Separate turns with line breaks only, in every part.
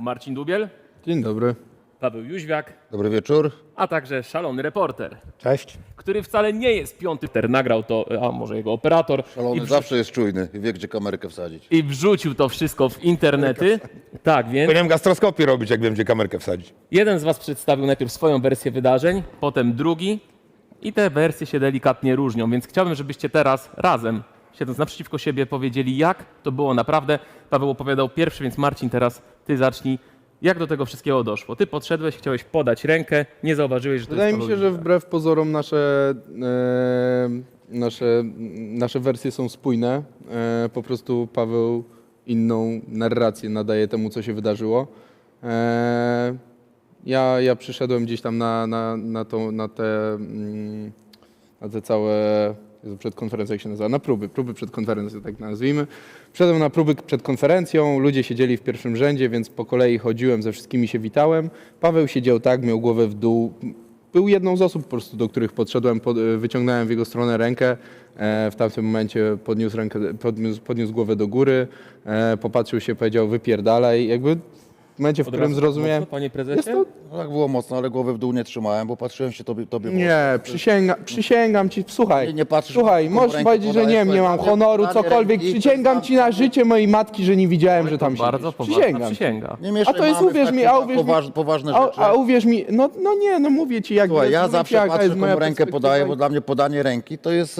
Marcin Dubiel,
Dzień dobry.
Paweł Jóźwiak,
Dobry wieczór.
a także szalony reporter,
Cześć.
który wcale nie jest piąty, nagrał to, a może jego operator
Szalony zawsze jest czujny i wie, gdzie kamerkę wsadzić.
i wrzucił to wszystko w internety. Tak, więc
Powinienem gastroskopię robić, jak wiem, gdzie kamerkę wsadzić.
jeden z was przedstawił najpierw swoją wersję wydarzeń, potem drugi i te wersje się delikatnie różnią, więc chciałbym, żebyście teraz razem, siedząc naprzeciwko siebie, powiedzieli, jak to było naprawdę. Paweł opowiadał pierwszy, więc Marcin, teraz ty zacznij. Jak do tego wszystkiego doszło? Ty podszedłeś, chciałeś podać rękę, nie zauważyłeś, że to
Wydaje
jest
mi się, że wbrew pozorom nasze wersje są spójne. Po prostu Paweł inną narrację nadaje temu, co się wydarzyło. Ja przyszedłem gdzieś tam na te całe... Jezu, przed konferencją, jak się nazywa? Na próby przed konferencją, tak nazwijmy. Wszedłem na próby przed konferencją, ludzie siedzieli w pierwszym rzędzie, więc po kolei chodziłem, ze wszystkimi się witałem. Paweł siedział tak, miał głowę w dół. Był jedną z osób po prostu, do których podszedłem, wyciągnąłem w jego stronę rękę. W tamtym momencie podniósł głowę do góry, popatrzył się, powiedział wypierdalaj. Jakby w momencie, w którym zrozumiałem...
Mocno, panie prezesie?
Jest to...
No tak było mocno, ale głowę w dół nie trzymałem, bo patrzyłem się tobie
Nie, przysięgam ci, słuchaj,
Nie patrzysz,
słuchaj,
komu
możesz
rękę
powiedzieć, że
podajesz,
nie mam
podanie
honoru, cokolwiek,
ręki,
przysięgam ci na życie mojej matki, że nie widziałem, że tam
Bardzo
siedzisz.
poważna
Przysięgam.
przysięga.
Nie mieszaj
A to jest,
mamy w
uwierz mi,
takie
uwierz mi,
poważne rzeczy.
a uwierz mi, no mówię ci, jak
Słuchaj, ja
mówię ci,
zawsze
jaka
patrzę,
jest moja
komu rękę
perspektywa
podaję,
i-
bo dla mnie podanie ręki to jest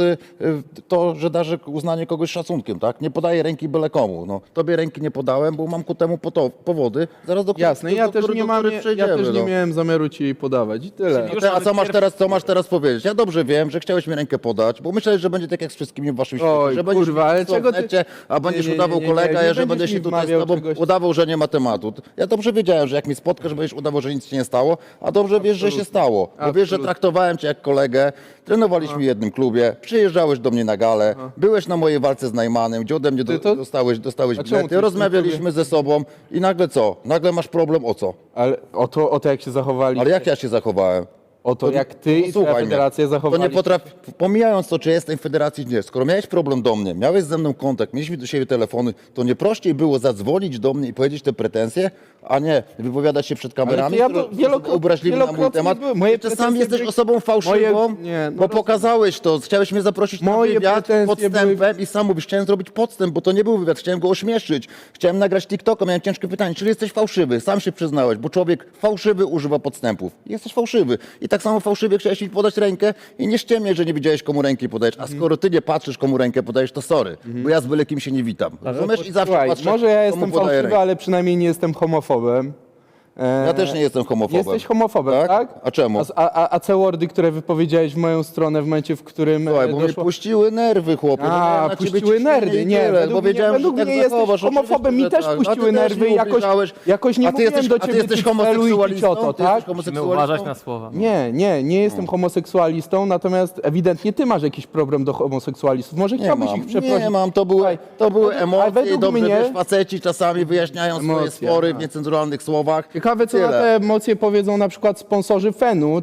to, że darzę uznanie kogoś szacunkiem, tak? Nie podaję ręki byle komu. No, tobie ręki nie podałem, bo mam ku temu powody. Zaraz do
Jasne, ja też nie mam, ja
przejdziemy,
też nie
no.
miałem zamiaru ci jej podawać i tyle.
Już
A
nawet
co masz teraz powiedzieć? Ja dobrze wiem, że chciałeś mi rękę podać, bo myślałeś, że będzie tak jak z wszystkimi w waszym świecie,
Oj,
że będziesz
kurwa, ale czego ty-
a będziesz
Nie,
udawał
nie,
kolega,
nie
ja że
będziesz
będę
mi
się tutaj z
wmawiał
tobą
czegoś.
udawał, że nie ma tematu. Ja dobrze wiedziałem, że jak mnie spotkasz, będziesz udawał, że nic się nie stało, a dobrze wiesz, że się stało. Bo wiesz, że traktowałem cię jak kolegę, trenowaliśmy w jednym klubie, przyjeżdżałeś do mnie na galę, byłeś na mojej walce z Najmanem, gdzie ode mnie dostałeś
A czemu ty
bilety,
w
rozmawialiśmy ze sobą i nagle co? Nagle masz problem o co?
Ale o to jak się zachowali,
Ale jak ja się zachowałem?
o to jak ty i twoja
Posłuchaj mnie.
federacja
To
zachowali
nie potrafi, pomijając to, czy jestem w federacji, czy nie, skoro miałeś problem do mnie, miałeś ze mną kontakt, mieliśmy do siebie telefony, to nie prościej było zadzwonić do mnie i powiedzieć te pretensje, a nie wypowiadać się przed kamerami,
ja
które
to
są obraźliwe na mój
wielokrotnie
temat.
były. Moje
Ty sam
pretensje
jesteś
były-
osobą fałszywą,
Nie, no
bo pokazałeś to, chciałeś mnie zaprosić na
Moje
wywiad
pretensje
podstępem i sam mówisz, chciałem zrobić podstęp, bo to nie był wywiad, chciałem go ośmieszyć, chciałem nagrać TikToka, miałem ciężkie pytanie, czyli jesteś fałszywy, sam się przyznałeś, bo człowiek fałszywy używa podstępów. Jesteś fałszywy i tak samo fałszywie chciałeś mi podać rękę i nie ściemniaj, że nie wiedziałeś, komu ręki podajesz, a skoro ty nie patrzysz, komu rękę podajesz, to sorry, bo ja z byle kim się nie witam. Rozumiesz? I zawsze
Słuchaj,
patrzę,
może ja
komu
jestem
podaję
fałszywy,
rękę.
ale przynajmniej nie jestem homofobem.
Ja też nie jestem homofobem.
Jesteś homofobem, tak?
A czemu?
A C-wordy, które wypowiedziałeś w moją stronę w momencie, w którym
Słuchaj, bo mnie
doszło...
puściły nerwy, chłopie. No, miałem na ciebie
puściły
ciśnienie
nerwy.
i
Nie,
tyle,
według
bo wiedziałem,
według
że tak
mnie jesteś
zachowasz.
homofobem. Mi
Oczywiście,
też
że tak.
puściły
A ty też
nerwy
mi
i
ubliżałeś.
jakoś nie
A ty
mówiłem do
a ty
ciebie
jesteś
ty celu i ty
homoseksualistą?
cioto,
Ty
tak?
jesteś
musimy
homoseksualistą?
uważać na słowa.
Nie jestem homoseksualistą, natomiast ewidentnie ty masz jakiś problem do homoseksualistów. Może
Nie
chciałbyś
mam,
ich przeprosić.
nie mam, to były
ale
emocje i
według
dobrze,
mnie-
wiesz, faceci czasami wyjaśniają swoje
Emocje,
spory w
tak.
niecenzuralnych słowach.
Ciekawe, co na
Tyle.
te emocje powiedzą na przykład sponsorzy Fenu,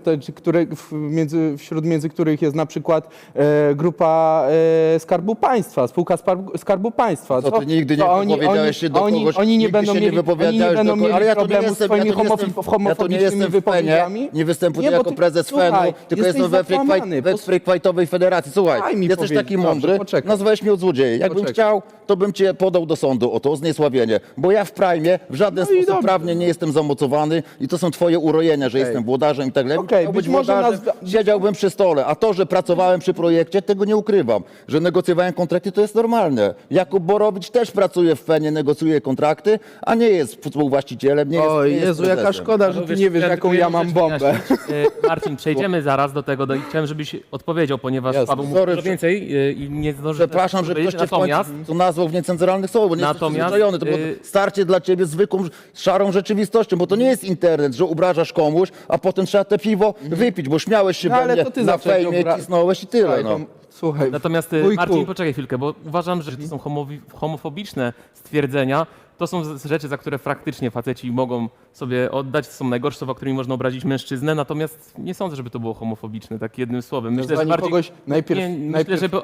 wśród których jest na przykład grupa Skarbu Państwa, spółka Skarbu Państwa.
To ty nigdy nie wypowiedziałeś się do kogoś,
Oni nie
nigdy
będą
się nie
mieli, oni nie
wypowiedziałeś
będą
do kogoś, ale
mieli
ja to nie
problemu z
jestem-
twoimi
ja to nie jestem-
homofobicznymi wypowiedziami.
Nie występuję
bo
jako
ty-
prezes
słuchaj,
Fenu, tylko
jesteś
jestem
zakłamany.
we Free Fightowej Federacji. Słuchaj,
Daj mi
jesteś
powiedzieć,
taki
dobrze,
mądry,
poczekaj.
nazwałeś mnie od złodzieja. Jakbym
Poczekaj.
chciał, to bym cię podał do sądu o to, o zniesławienie. Bo ja w Prime w żaden
No i
sposób
dobrze.
prawnie nie jestem zamocowany i to są twoje urojenia, że jestem włodarzem i tak dalej.
Okej,
Chciał
być
być
może
włodarzem, siedziałbym przy stole, a to, że pracowałem przy projekcie, tego nie ukrywam. Że negocjowałem kontrakty, to jest normalne. Jakub Borowicz też pracuje w Fenie, negocjuje kontrakty, a nie jest współwłaścicielem, nie jest
Oj,
nie jest
Jezu, jaka
prezesem.
szkoda, że ty nie wiesz, jaką ja mam bombę.
Marcin, przejdziemy zaraz do tego i chciałem, żebyś odpowiedział, ponieważ
Jasne.
Paweł mówi
Sorry,
dużo więcej i nie zdąży
Przepraszam, że ktoś cię w
Natomiast
końcu tu nazwał w niecenzuralnych słowach, bo nie jesteś
Natomiast,
przyzwyczajony. To było starcie dla ciebie zwykłą, szarą rzeczywistością, bo to nie jest internet, że obrażasz komuś, a potem trzeba te piwo wypić, bo śmiałeś się
No,
we
ale
mnie
to ty
na
zawsze
fejmie, cisnąłeś i tyle.
Słuchaj,
No.
Słuchaj,
Natomiast
wujku,
Marcin, poczekaj chwilkę, bo uważam, że to są homofobiczne stwierdzenia. to są rzeczy, za które praktycznie faceci mogą sobie oddać, to są najgorsze słowa, którymi można obrazić mężczyznę, natomiast nie sądzę, żeby to było homofobiczne, tak jednym słowem. Myślę, że
Nazwanie
bardziej...
kogoś najpierw-
Nie, myślę,
najpierw-
że...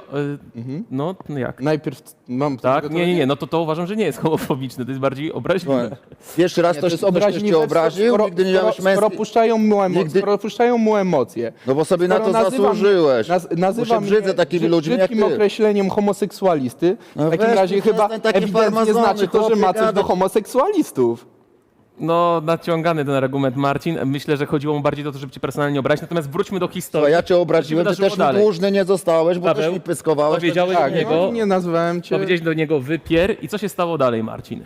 No jak?
Najpierw mam...
Tak? Nie, no to uważam, że nie jest homofobiczne, to jest bardziej obraźliwe.
Pierwszy raz
Nie, to
ktoś
jest
cię
obraźliwe,
obraził, nigdy nie miałeś
skoro
męskiej...
puszczają mu emocje.
No bo sobie na
Skoro
to
nazywa
zasłużyłeś.
Nazywa
Bo się brzydzę
mnie
takimi ludźmi jak
brzydkim
ty.
określeniem homoseksualisty.
No
W takim
weź,
razie
ty
chyba
przestań takie
ewidentnie
farmazony,
znaczy to, że ma
chłopie,
coś do
gadać.
homoseksualistów.
No, naciągany ten argument, Marcin. Myślę, że chodziło mu bardziej o to, żeby cię personalnie obrazić, natomiast wróćmy do historii.
To ja cię obraziłem,
Co
ty
się wydarzyło
też mi
dalej?
dłużny nie zostałeś, bo
Paweł,
też mi pyskowałeś.
powiedziałeś
tak,
do niego,
Nie nazwałem cię.
powiedziałeś do niego wypier i co się stało dalej, Marcin?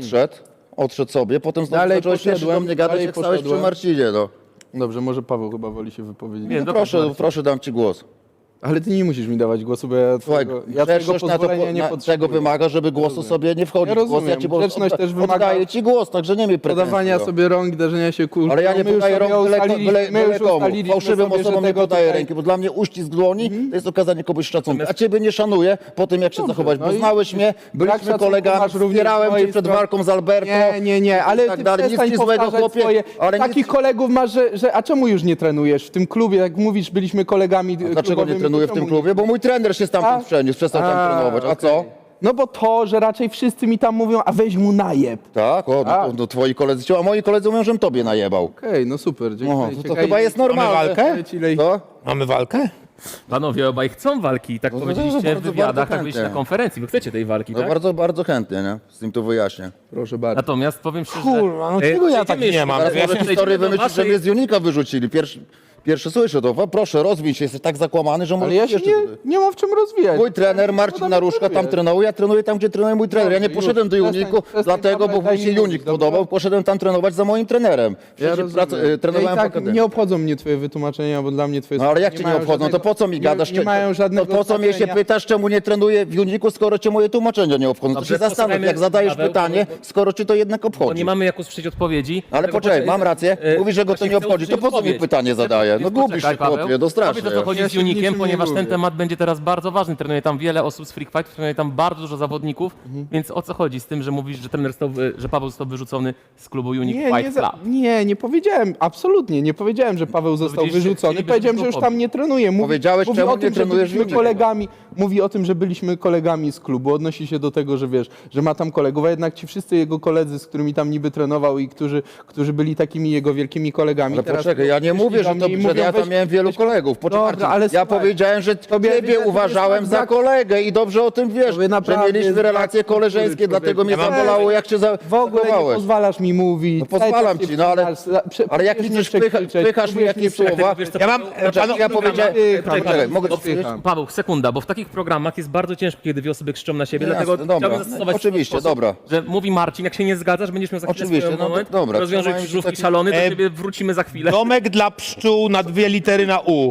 Odszedł sobie, potem znowu
Dalej
zacząłeś pierwszy do
poszedłem,
mnie gadać,
dalej
jak stałeś przy
poszedłem.
Marcinie, no.
Dobrze, może Paweł chyba woli się wypowiedzieć.
Nie,
No
dobra, Marcin.
proszę, dam ci głos.
Ale ty nie musisz mi dawać głosu, bo ja
Słuchaj,
twojego
grzeczność na to,
pozwolenia nie
czego
potrzebuję.
wymaga, żeby głosu sobie nie wchodzi.
Ja
w głos,
rozumiem.
ci po prostu
Grzeczność też wymaga
oddaję ci głos, także nie miej pretensji.
Podawania
no.
sobie rąk, darzenia się kulturą.
Ale ja nie
My już
podaję
sobie
rąk
ustaliliśmy- my już
komu.
ustaliliśmy
Fałszywym
sobie, że
osobom nie
tego
podaję
tutaj-
ręki, bo dla mnie uścisk dłoni to jest okazanie komuś szacunku. A ciebie nie szanuję po tym, jak się zachować, bo
no i
znałeś mnie,
brak
byliśmy
szacunku
kolegami,
masz również z
wspierałem cię
mojej
przed
strony.
walką z Alberto.
Nie, ale
i tak
ty
dalej. Nic
przestań
ci złego,
powtarzać
chłopie,
swoje.
ale
Takich
nic...
kolegów masz, że... A czemu już nie trenujesz w tym klubie? Jak mówisz, byliśmy kolegami
Dlaczego nie
klubowymi,
trenuję w
to
tym
czemu
klubie? Bo mój trener się stamtąd przeniósł, przestał tam trenować. A
okej.
co?
No bo to, że raczej wszyscy mi tam mówią, a weź mu najeb.
Tak, no twoi koledzy, a moi koledzy mówią, żem tobie najebał.
Okej, no super, dziękuję.
No, to chyba jest normalne.
walkę?
Co?
Mamy walkę?
Panowie obaj chcą walki, tak
No to
powiedzieliście w
bardzo,
wywiadach,
bardzo
tak byliście na
chętnie.
konferencji, wy chcecie tej walki,
No
tak?
bardzo, bardzo chętnie, nie? Z tym to wyjaśnię.
Proszę bardzo.
Natomiast powiem szczerze...
Kurwa, no czego ja tak nie mam?
Teraz
Ja
może
się-
historię
do
wymyślić, że
waszej-
mnie z Unika wyrzucili. Pierwszy słyszę to. Proszę, rozwij się, jesteś tak zakłamany, że
Ale
może
ja się nie mam w czym rozwijać.
Mój trener Marcin Naruszka tam trenował, ja trenuję tam, gdzie trenuje mój trener. Ja nie
Dobrze,
poszedłem do
już.
Uniku,
Przestań,
dlatego, bo
daj
mi
mi
się
mówić,
Unik
dobrze?
podobał, poszedłem tam trenować za moim trenerem.
Ja
Przecież
rozumiem.
trenowałem
ja i
w
tak
akademii.
nie obchodzą mnie twoje wytłumaczenia, bo dla mnie twoje
No ale jak cię nie
mają
obchodzą, to
żadnego-
po co mi gadasz?
Nie mają żadnego
To po co mnie się
znaczenia.
pytasz, czemu nie trenuję w Uniku, skoro cię moje tłumaczenia nie obchodzą? To
Dobrze,
się zastanów,
posłuchajmy,
jak zadajesz
Paweł,
pytanie,
Paweł,
skoro ci to jednak
Bo
obchodzi.
nie mamy jak usłyszeć odpowiedzi.
Ale
dlatego
poczekaj, mam rację. Mówisz, że go to
właśnie
nie
chcę
obchodzi. To
usłyszeć
po co mi
odpowiedź.
pytanie zadaje? No gubisz
Poczekaj,
się, chłopie,
Paweł.
no strasznie.
Powiedz, o co chodzi
Ja
z
się w niczym
Unikiem,
nie
ponieważ ten
lubię.
temat będzie teraz bardzo ważny. Trenuje tam wiele osób z Freak Fight, trenuje tam bardzo dużo zawodników, więc o co chodzi z tym, że mówisz, że trener że Paweł został wyrzucony z klubu Unique Fight Club?
Nie powiedziałem, absolutnie nie powiedziałem, że Paweł został
Powiedzieliście,
wyrzucony.
chcielibyśmy
Powiedziałem, że
to
już tam
powiedzieć.
nie trenuje.
Powiedziałeś,
mówi
czemu
o
nie
tym, że
trenujesz w
byliśmy
Unicie?
kolegami. Mówi o tym, że byliśmy kolegami z klubu. Odnosi się do tego, że wiesz, że ma tam kolegów, a jednak ci wszyscy jego koledzy, z którymi tam niby trenował i którzy byli takimi jego wielkimi kolegami.
Ale
teraz
poczekaj, ja nie
przyszli
mówię,
do
że,
mnie i
że
mówią,
ja tam
weź-
miałem wielu
weź-
kolegów. Poczekaj,
Dobra, ale
ja
słuchaj,
powiedziałem, że
tobie
ciebie
ewidentnie
uważałem
jest
za
brak-
kolegę i dobrze o tym wiesz,
Tobie
że
naprawdę
mieliśmy
jest
relacje
brak kultury,
koleżeńskie, dlatego mnie
człowieku.
zabolało, jak cię
W ogóle nie
zachowałeś.
pozwalasz mi mówić.
No pozwalam ci, no ale- Ale jak
próbujesz
widzisz, wpychasz mi jakieś słowa.
Wiesz co,
Ja mam...
Poczekaj, ja powiedziałem... Poczekaj, mogę to powiedzieć?
Paweł, sekunda, bo w takich programach jest bardzo ciężko, kiedy dwie osoby krzyczą na siebie,
Jasne,
dlatego
dobra.
chciałbym zastosować
Oczywiście,
sposób,
dobra.
że mówi Marcin, jak się nie zgadzasz, będziesz miał za chwilę
Oczywiście,
swój
no
moment,
dobra,
rozwiążę
trzymajmy się
krzyżówki
taki-
szalony, do ciebie wrócimy za chwilę.
Domek dla pszczół na 2 litery na U.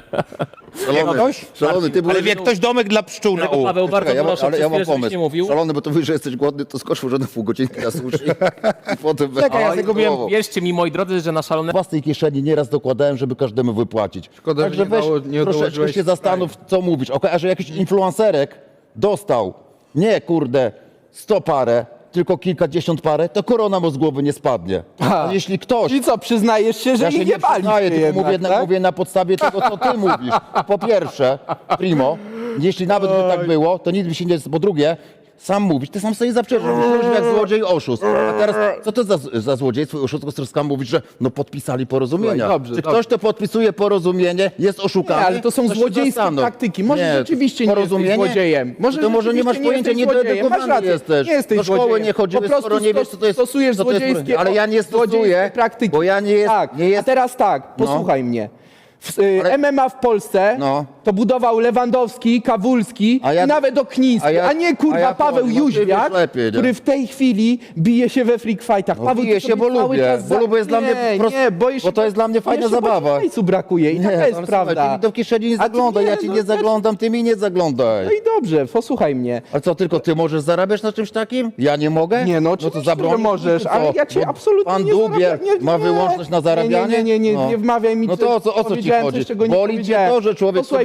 Szalony, ty byłeś...
Ale wie ktoś domek dla pszczół na
Dlatego
U.
Paweł, bardzo
Czekaj,
proszę,
ale
przez
ja mam
chwilę, żebyś
pomysł.
nie mówił.
Szalony, bo to mówisz, że jesteś głodny, to skocz może na pół godzinki na sushi. I potem
Czekaj, ja tego miałem-
Wierzcie mi, moi drodzy, że na szalone
własnej kieszeni nieraz dokładałem, żeby każdemu wypłacić.
Szkoda, że
Także
nie
weź
nie
troszeczkę
dołożyłeś
się zastanów, co mówisz. A że jakiś influencerek dostał, nie kurde, 100 parę, tylko kilkadziesiąt parę, to korona mu z głowy nie spadnie. A jeśli ktoś...
I co, przyznajesz się, że
Ja się
ich
nie
nie bali
przyznaję, tylko
jednak,
mówię na podstawie tego, co ty mówisz. Po pierwsze, primo, jeśli nawet by tak było, to nic by się nie... Po drugie, sam mówisz, ty sam sobie zaprzeczasz, mówisz jak złodziej i oszust. A teraz, co to za złodziejstwo i oszustwo, z którym mówisz, że no podpisali porozumienia.
Słuchaj, dobrze,
Czy
dobrze.
ktoś, kto podpisuje porozumienie, jest oszukany?
Nie, ale to są
się
złodziejskie
zastanów.
praktyki. Może
Nie,
rzeczywiście nie jesteś
porozumienie?
złodziejem.
To może nie masz
rzeczywiście
pojęcia,
jesteś złodziejem. Masz
niedojadukowany
rację.
jesteś.
Nie jesteś
Do szkoły
złodziejem.
nie chodziłeś,
Po prostu
skoro nie wiesz, co to jest...
stosujesz
co to jest
złodziejskie,
ale ja nie
złodziejskie
stosuję,
praktyki.
bo ja nie jest...
Tak,
nie jest
a teraz tak, posłuchaj mnie.
Ale-
MMA w Polsce
No.
to budował Lewandowski, Kawulski
A ja-
i nawet Okniński,
a ja-
a nie kurwa
a ja
Paweł
powiem, no ty
Jóźwiak,
wiesz lepiej, nie?
który w tej chwili bije się we freak fightach.
No,
Paweł,
bije
ty
się,
sobie
bo
cały
lubię,
czas
bo jest dla mnie
boisz
bo to jest dla mnie fajna
jeszcze
zabawa.
hajsu brakuje i taka
ale
jest
słuchaj,
prawda.
Ty mi do kieszeni nie
A ty
zaglądaj,
nie,
ja ci
no
nie
też-
zaglądam, ty mi nie zaglądaj.
No i dobrze, posłuchaj mnie.
Ale co, tylko ty możesz zarabiać na czymś takim? Ja nie mogę?
Nie, no
to
oczywiście,
zabronisz
że możesz,
mi, czy
ale
co?
ja cię
Bo
absolutnie
Pan
nie
Dubiel
zarabiam.
ma wyłączność na zarabianie?
Nie
No.
wmawiaj mi,
No to o co ci
powiedziałem
chodzi?
coś, czego nie
Boli cię
powiedziałem.
to, że człowiek
Posłuchaj,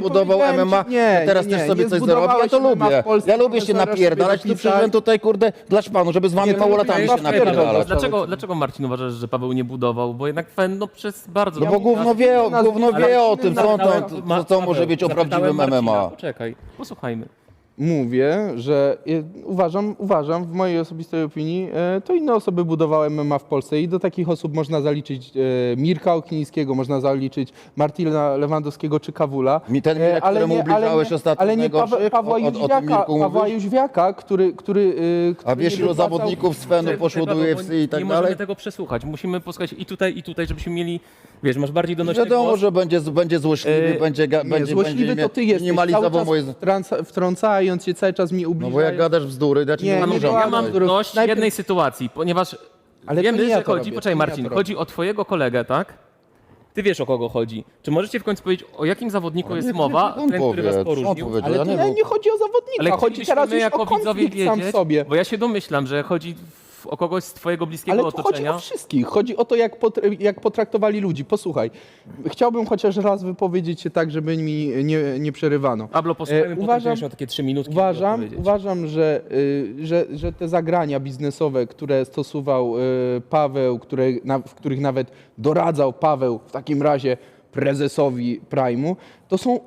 zbudował
powiedziałem
MMA,
ci- nie,
to teraz
nie,
też
nie,
sobie
nie
coś zarobi, ja
zbudowałeś
to
MMA w
lubię.
Polsce,
Ja lubię się
profesora
napierdalać,
sobie
tu przyszedłem
dopisać.
tutaj, kurde, dla szpanu, żeby z wami
to
małolatami
lubię,
się
ja
napierdalać.
Dlaczego Marcin uważasz, że Paweł nie budował? Bo jednak no przez bardzo
No bo
długi
gówno
czas-
wie,
Ale-
gówno wie o tym, co, on tam,
Ma-
co może być o
zapytałem
prawdziwym
Marcina,
MMA.
Poczekaj, posłuchajmy.
Mówię, że uważam, w mojej osobistej opinii, to inne osoby budowały MMA w Polsce i do takich osób można zaliczyć Mirka Oknińskiego, można zaliczyć Martina Lewandowskiego czy Kawula.
Ten Mirek, któremu ubliżałeś ostatnio
ale nie
najgorszych,
Pawła
o tym
Jóźwiaka,
Mirku
Pawła
mówisz?
Jóźwiaka, który
A wiesz,
nie
ilu
wypłacał-
zawodników z Fenu poszło do
Paweł,
UFC i tak
nie
dalej?
możemy tego przesłuchać. Musimy posłuchać i tutaj, żebyśmy mieli, wiesz, masz bardziej donośny
Wiadomo,
głos.
że będzie złośliwy, będzie
Nie, złośliwy to ty jesteś,
minimalizował
cały
moje...
czas wtrącając się, cały czas mi
No
ubliżasz.
bo jak gadasz bzdury, ja ci
Nie,
nie
nie
ubliżam.
była
Ja mam
bzdurów.
dość
Najpierw-
jednej sytuacji, ponieważ
Ale to
wiemy,
nie ja
że
to
chodzi,
robię,
poczekaj
to nie ja
Marcin,
to
chodzi o twojego kolegę, tak? Ty wiesz, o kogo chodzi. Czy możecie w końcu powiedzieć, o jakim zawodniku jest mowa,
On
ten, który was
powie, on
poróżnił?
powiedział,
Ale
ja
to
nie
nie,
wiem.
nie chodzi o zawodnika,
Ale
chodzi teraz
chcielibyśmy
już
jako
o
widzowie
konflikt sam w
wiedzieć,
sobie.
bo ja się domyślam, że chodzi o kogoś z twojego bliskiego
Ale tu chodzi
otoczenia.
o wszystkich. Chodzi o to, jak potraktowali ludzi. Posłuchaj, chciałbym chociaż raz wypowiedzieć się tak, żeby mi nie przerywano.
Pablo, posłuchajmy, potem
uważam-
będziesz miał takie 3 minutki, żeby odpowiedzieć.
Uważam, że te zagrania biznesowe, które stosował Paweł, w których nawet doradzał Paweł w takim razie prezesowi Prime'u, to są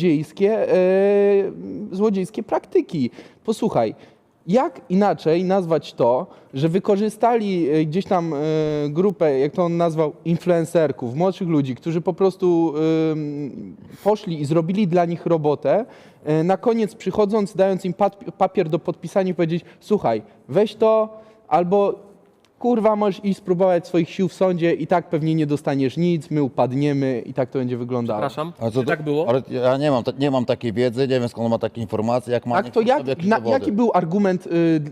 złodziejskie praktyki. Posłuchaj, jak inaczej nazwać to, że wykorzystali gdzieś tam grupę, jak to on nazwał, influencerków, młodszych ludzi, którzy po prostu poszli i zrobili dla nich robotę, na koniec przychodząc, dając im papier do podpisania i powiedzieć, słuchaj, weź to albo kurwa, możesz iść spróbować swoich sił w sądzie i tak pewnie nie dostaniesz nic, my upadniemy i tak to będzie wyglądało.
Przepraszam,
A
czy tak było?
Ale ja nie mam takiej wiedzy, nie wiem skąd on ma takie informacje, jak ma,
Tak, to
niech przedstawi jakieś dowody.
jaki był argument,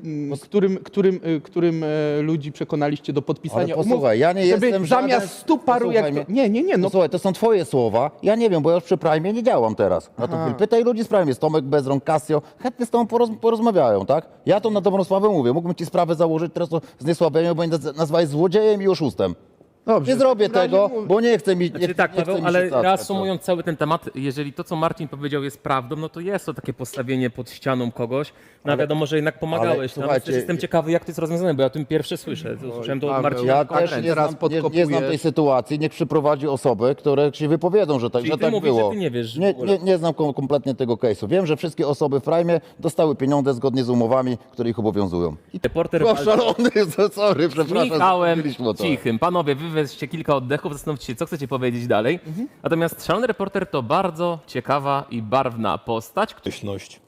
którym ludzi przekonaliście do podpisania
Ale posłuchaj, ja nie
żeby
jestem
zamiast
żaden...
100 paru
Posłuchaj
jak to...
mnie.
Nie, no
Słuchaj, to są twoje słowa, ja nie wiem, bo ja już przy Prime nie działam teraz. Na to chwilę. Pytaj ludzi z Prime, jest Tomek Bezrąk, Casio, chętnie z tobą porozmawiają, tak? Ja to na dobrą sprawę mówię, mógłbym ci sprawę założyć, teraz to zniesławienie, bo mnie nazwałeś złodziejem i oszustem.
dobrze.
Nie zrobię
w takim
tego,
razie
bo nie chcę mi
Znaczy tak,
nie chcę
Paweł,
mi
ale
się cackać,
reasumując cały ten temat, jeżeli to, co Marcin powiedział, jest prawdą, no to jest to takie postawienie pod ścianą kogoś. No wiadomo, że jednak pomagałeś.
ale
No,
słuchajcie,
jestem ciekawy, jak to jest rozwiązane, bo ja o tym pierwsze słyszę. To Słyszałem to od
Paweł,
Marcina.
Ja
tylko
też
teraz.
nie
teraz
znam,
podkopujesz.
nie znam tej sytuacji. Niech przyprowadzi osoby, które się wypowiedzą, że tak,
Czyli
że
ty
tak
mówisz,
było.
że ty nie wiesz w
nie,
ogóle.
nie znam kompletnie tego case'u. Wiem, że wszystkie osoby w Prime dostały pieniądze zgodnie z umowami, które ich obowiązują.
Reporter
O, szalony, sorry,
z
przepraszam.
Michałem
zapomnieliśmy o to.
Cichym. Panowie, wy weźcie kilka oddechów, zastanówcie się, co chcecie powiedzieć dalej. Natomiast Szalony Reporter to bardzo ciekawa i barwna postać,
Ktośność.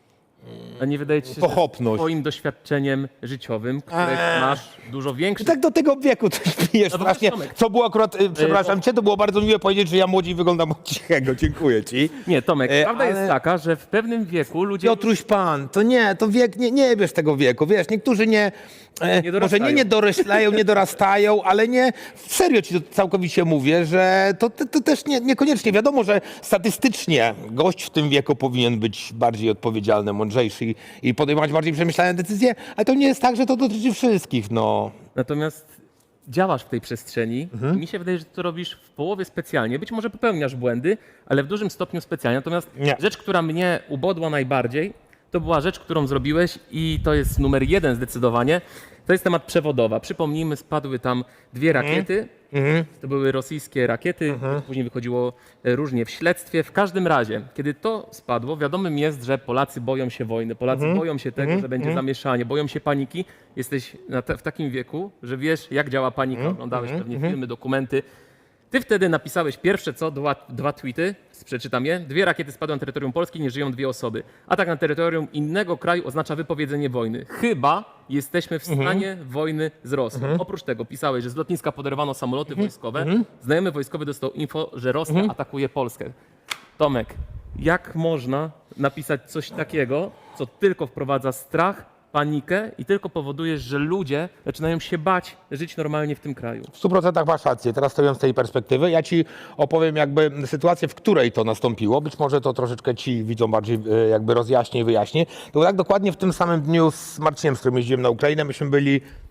a nie wydaje ci się, że
Pochopność.
twoim doświadczeniem życiowym, które masz dużo większe.
Tak do tego wieku coś pijesz
No bo
strasznie.
Tomek.
Co było akurat, przepraszam cię, to było bardzo miłe powiedzieć, że ja młodziej wyglądam od Cichego. Dziękuję ci.
Nie, Tomek, prawda
ale-
jest taka, że w pewnym wieku ludzie...
Piotruś Pan, to nie, to wiek, nie bierz tego wieku, wiesz, niektórzy nie może
dorastają.
nie doroślają, nie dorastają, ale nie, serio ci to całkowicie mówię, że to też niekoniecznie, wiadomo, że statystycznie gość w tym wieku powinien być bardziej odpowiedzialny, mądrzejszy i podejmować bardziej przemyślane decyzje, ale to nie jest tak, że to dotyczy wszystkich, no.
Natomiast działasz w tej przestrzeni i mi się wydaje, że to robisz w połowie specjalnie. Być może popełniasz błędy, ale w dużym stopniu specjalnie. Natomiast
Nie.
rzecz, która mnie ubodła najbardziej, to była rzecz, którą zrobiłeś i to jest numer 1 zdecydowanie. To jest temat przewodowa. Przypomnijmy, spadły tam 2 rakiety. To były rosyjskie rakiety. Później wychodziło różnie w śledztwie. W każdym razie, kiedy to spadło, wiadomym jest, że Polacy boją się wojny. Polacy boją się tego, że będzie zamieszanie. Boją się paniki. Jesteś w takim wieku, że wiesz, jak działa panika. Oglądałeś pewnie filmy, dokumenty. Ty wtedy napisałeś pierwsze co, 2 tweety, przeczytam je. 2 rakiety spadły na terytorium Polski, nie żyją 2 osoby. Atak na terytorium innego kraju oznacza wypowiedzenie wojny. Chyba jesteśmy w stanie wojny z Rosją. Oprócz tego pisałeś, że z lotniska poderwano samoloty wojskowe. Znajomy wojskowy dostał info, że Rosja atakuje Polskę. Tomek, jak można napisać coś takiego, co tylko wprowadza strach, panikę i tylko powoduje, że ludzie zaczynają się bać żyć normalnie w tym kraju?
W 100% masz rację. Teraz stojąc z tej perspektywy, ja ci opowiem jakby sytuację, w której to nastąpiło. Być może to troszeczkę ci widzom bardziej jakby rozjaśnię i wyjaśnię. To było tak dokładnie w tym samym dniu z Marcinem, z którym jeździłem na Ukrainę. Myśmy byli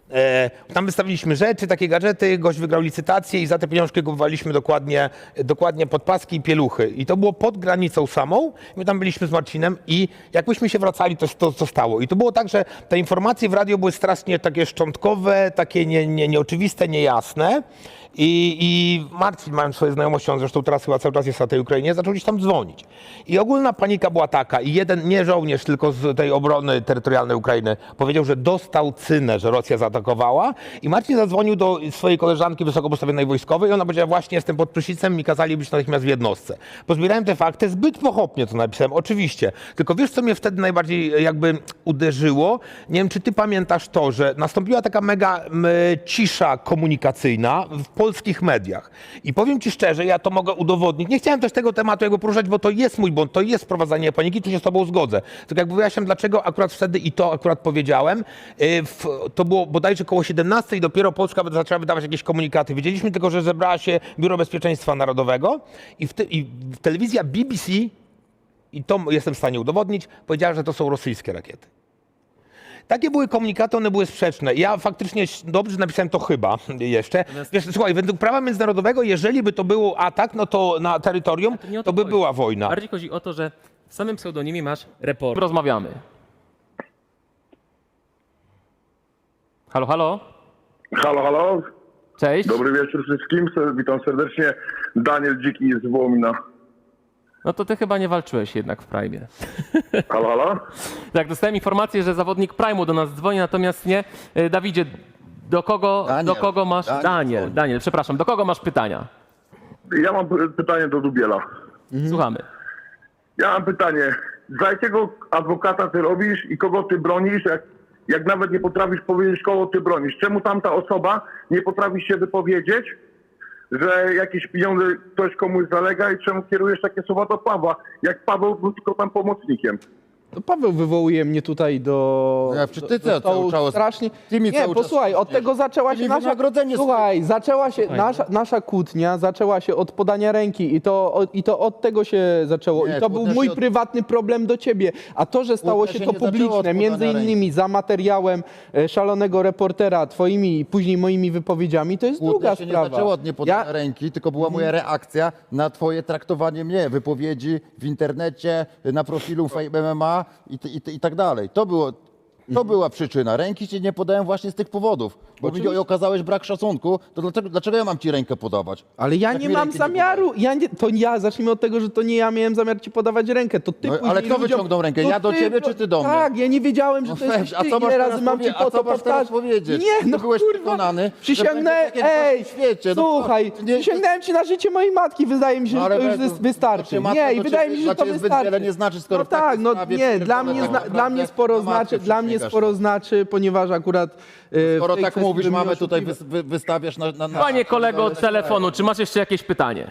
Tam wystawiliśmy rzeczy, takie gadżety, gość wygrał licytację i za te pieniążki kupowaliśmy dokładnie podpaski i pieluchy. I to było pod granicą samą. My tam byliśmy z Marcinem i jakbyśmy się wracali, to co stało. I to było tak, że te informacje w radio były strasznie takie szczątkowe, takie nieoczywiste, niejasne. I Marcin, mając swoje znajomości, on zresztą teraz chyba cały czas jest na tej Ukrainie, zaczął gdzieś tam dzwonić. I ogólna panika była taka, i jeden, nie żołnierz, tylko z tej obrony terytorialnej Ukrainy, powiedział, że dostał cynę, że Rosja zaatakowała. I Marcin zadzwonił do swojej koleżanki wysoko postawionej wojskowej i ona powiedziała, właśnie jestem pod Pryszicem, mi kazali być natychmiast w jednostce. Pozbierałem te fakty, zbyt pochopnie to napisałem, oczywiście. Tylko wiesz, co mnie wtedy najbardziej jakby uderzyło? Nie wiem, czy ty pamiętasz to, że nastąpiła taka mega cisza komunikacyjna w polskich mediach. I powiem ci szczerze, ja to mogę udowodnić. Nie chciałem też tego tematu jakby poruszać, bo to jest mój błąd, to jest sprowadzanie paniki, tu się z tobą zgodzę. Tylko jakby wyjaśniam, dlaczego akurat wtedy i to akurat powiedziałem. To było bodajże koło 17 i dopiero Polska zaczęła wydawać jakieś komunikaty. Wiedzieliśmy tylko, że zebrała się Biuro Bezpieczeństwa Narodowego i telewizja BBC, i to jestem w stanie udowodnić, powiedziała, że to są rosyjskie rakiety. Takie były komunikaty, one były sprzeczne. Ja faktycznie dobrze napisałem to chyba jeszcze. Wiesz, słuchaj, według prawa międzynarodowego, jeżeli by to był atak, no to na terytorium,
nie o
to by
chodzi.
była wojna.
Bardziej chodzi o to, że w samym pseudonimie masz report. Rozmawiamy. Halo, halo?
Halo, halo.
Cześć.
Dobry wieczór wszystkim. Witam serdecznie. Daniel Dziki z Wołomina.
No to ty chyba nie walczyłeś jednak w Prime.
Halo, halo.
Tak, dostałem informację, że zawodnik Prime'u do nas dzwoni, natomiast nie. Dawidzie, do kogo masz... Daniel, przepraszam, do kogo masz pytania?
Ja mam pytanie do Dubiela.
Słuchamy.
Ja mam pytanie. Za jakiego adwokata ty robisz i kogo ty bronisz, jak nawet nie potrafisz powiedzieć, kogo ty bronisz? Czemu tamta osoba nie potrafi się wypowiedzieć, że jakieś pieniądze ktoś komuś zalega i czemu kierujesz takie słowa do Pawła? Jak Paweł był tylko tam pomocnikiem.
To Paweł wywołuje mnie tutaj do...
Ja, czy ty
do stołu
cały czas-
strasznie...
ty mi
Nie,
cały czas
posłuchaj, od tego zaczęła się
mi
nasza...
wynagrodzenie
Słuchaj, zaczęła się nasza kłótnia, zaczęła się od podania ręki i to od tego się zaczęło.
Nie,
I to był
kłótnia
mój
się od-
prywatny problem do ciebie. A to, że stało
Kłótnia
się
się
to
nie zaczęła od
publiczne,
podania
między innymi za materiałem szalonego reportera, twoimi i później moimi wypowiedziami, to jest
Kłótnia
druga
się
sprawa.
nie zaczęła od niepodania ręki, tylko była moja reakcja na twoje traktowanie mnie, wypowiedzi w internecie, na profilu Fame MMA i tak dalej. To była przyczyna. Ręki ci nie podałem właśnie z tych powodów. Bo mi okazałeś brak szacunku, to dlaczego ja mam ci rękę podawać?
Ale ja
Jak
nie
mi
mam
ręki nie
zamiaru. Zacznijmy od tego, że to nie ja miałem zamiar ci podawać rękę. To ty
No,
później
ale kto wyciągnął rękę?
to
Ja do ciebie, czy ty do mnie?
Tak, ja nie wiedziałem, że
No
to jesteś
weź,
ty. Ile razy mam ci po to powtarzać?
powiedzieć?
Nie, no
Ty byłeś
kurwa.
przekonany,
Przysięgnąłem,
że będzie takie coś w świecie. No,
słuchaj,
nie-
przysięgnąłem ci na życie mojej matki. Wydaje mi się,
No,
że
ale
to już
weź,
wystarczy.
to matka
Nie, i
do
wydaje
ciebie-
mi się,
dla
że to
ciebie zbyt
wystarczy.
wiele nie znaczy, skoro
no
w takiej
tak, no
sprawie
nie,
pierdolę,
dla mnie sporo
na matkę
znaczy, dla mnie
przysięgasz,
sporo
no.
znaczy, ponieważ akurat w
Skoro
tej
tak
kwestii
mówisz,
bym
mamy
miał
tutaj,
wątpliwości.
wystawiasz na
Panie kolego od telefonu, czy masz jeszcze jakieś pytanie?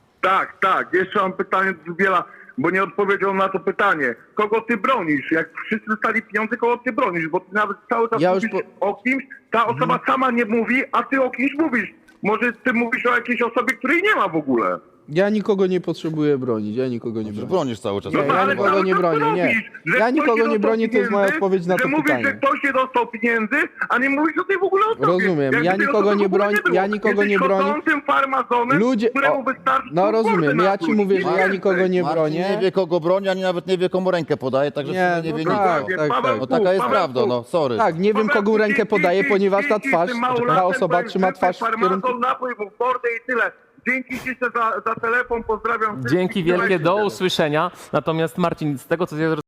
Tak. Jeszcze mam pytanie do Dubiela, bo nie odpowiedział na to pytanie. Kogo ty bronisz? Jak wszyscy dostali pieniądze, kogo ty bronisz? Bo ty nawet cały czas
Ja już
mówisz o kimś, ta osoba sama nie mówi, a ty o kimś mówisz. Może ty mówisz o jakiejś osobie, której nie ma w ogóle.
Ja nikogo nie potrzebuję bronić, ja nikogo nie bronię.
Bronisz cały czas.
Nie, ja
ale
nikogo
cały
nie
czas
bronię,
to
nie.
robisz, że
Ja
ktoś
nikogo nie
dostał
bronię, to jest moja
pieniędzy,
odpowiedź na to
że mówisz,
pytanie.
że ktoś nie dostał pieniędzy, a nie mówisz o tej w ogóle osobie.
Rozumiem,
Jakby
ja
tej
nikogo
osoby
nie
w ogóle
bronię,
było.
ja nikogo nie
Jesteś
bronię.
chodzącym farmazonem,
Ludzie-
któremu
o,
wystarczy
no rozumiem, ja ci mówię, że ja nikogo nie
Marcin
bronię.
nie wie, kogo broni, ani nawet nie wie, komu rękę podaje, także
Nie,
nie wie
no
nic.
tak, tak.
No taka jest prawda, no sorry.
Tak, nie wiem kogo rękę podaję, ponieważ ta twarz, ta osoba trzyma twarz w kierunku...
Farmazon, napój mu w mordę i tyle. Dzięki ci za telefon, pozdrawiam.
Dzięki wielkie, do usłyszenia. Natomiast Marcin, z tego co ja